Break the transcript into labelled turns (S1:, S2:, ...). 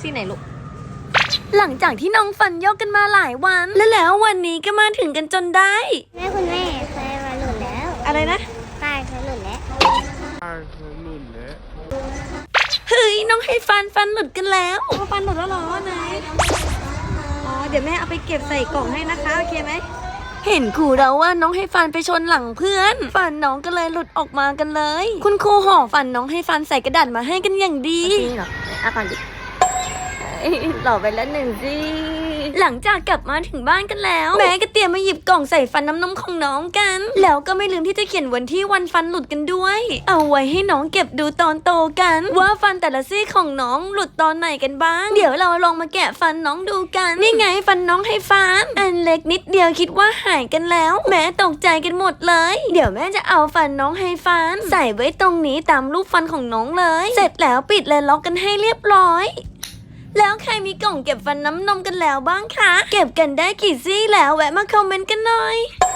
S1: ซี่ไหนลูกหลังจากที่น้องฟันยกกันมาหลายวันแล้ววันนี้ก็มาถึงกันจนได้
S2: แม่คุณแม่ไฟมาหลุดแล้ว
S1: อะไรนะ
S2: ไฟหลุดแล้ว
S1: เฮ้ยน้องให้ฟันหลุดกันแล้วฟันหลุดแล้วหรอไหนอ๋อเดี๋ยวแม่เอาไปเก็บใส่กล่องให้นะคะโอเคไหมเห็นครูเราว่าน้องให้ฟันไปชนหลังเพื่อนฟันน้องก็เลยหลุดออกมากันเลยคุณครูห่อฟันน้องให้ฟันใส่กระดาษมาให้กันอย่างดีจริงเหรออ่ะก่อนดิหล่อไปแล้วหนึ่งสิหลังจากกลับมาถึงบ้านกันแล้วแม่ก็เตรียมมาหยิบกล่องใส่ฟันน้ำนมของน้องกันแล้วก็ไม่ลืมที่จะเขียนวันที่วันฟันหลุดกันด้วยเอาไว้ให้น้องเก็บดูตอนโตกันว่าฟันแต่ละซี่ของน้องหลุดตอนไหนกันบ้างเดี๋ยวเราลองมาแกะฟันน้องดูกันนี่ไงฟันน้องให้ฟันอันเล็กนิดเดียวคิดว่าหายกันแล้วแม่ตกใจกันหมดเลยเดี๋ยวแม่จะเอาฟันน้องให้ฟันใส่ไว้ตรงนี้ตามรูปฟันของน้องเลยเสร็จแล้วปิดและล็อกกันให้เรียบร้อยแล้วใครมีกล่องเก็บฟันน้ำนมกันแล้วบ้างคะเก็บกันได้กี่ซี่แล้วแวะมาคอมเมนต์กันหน่อย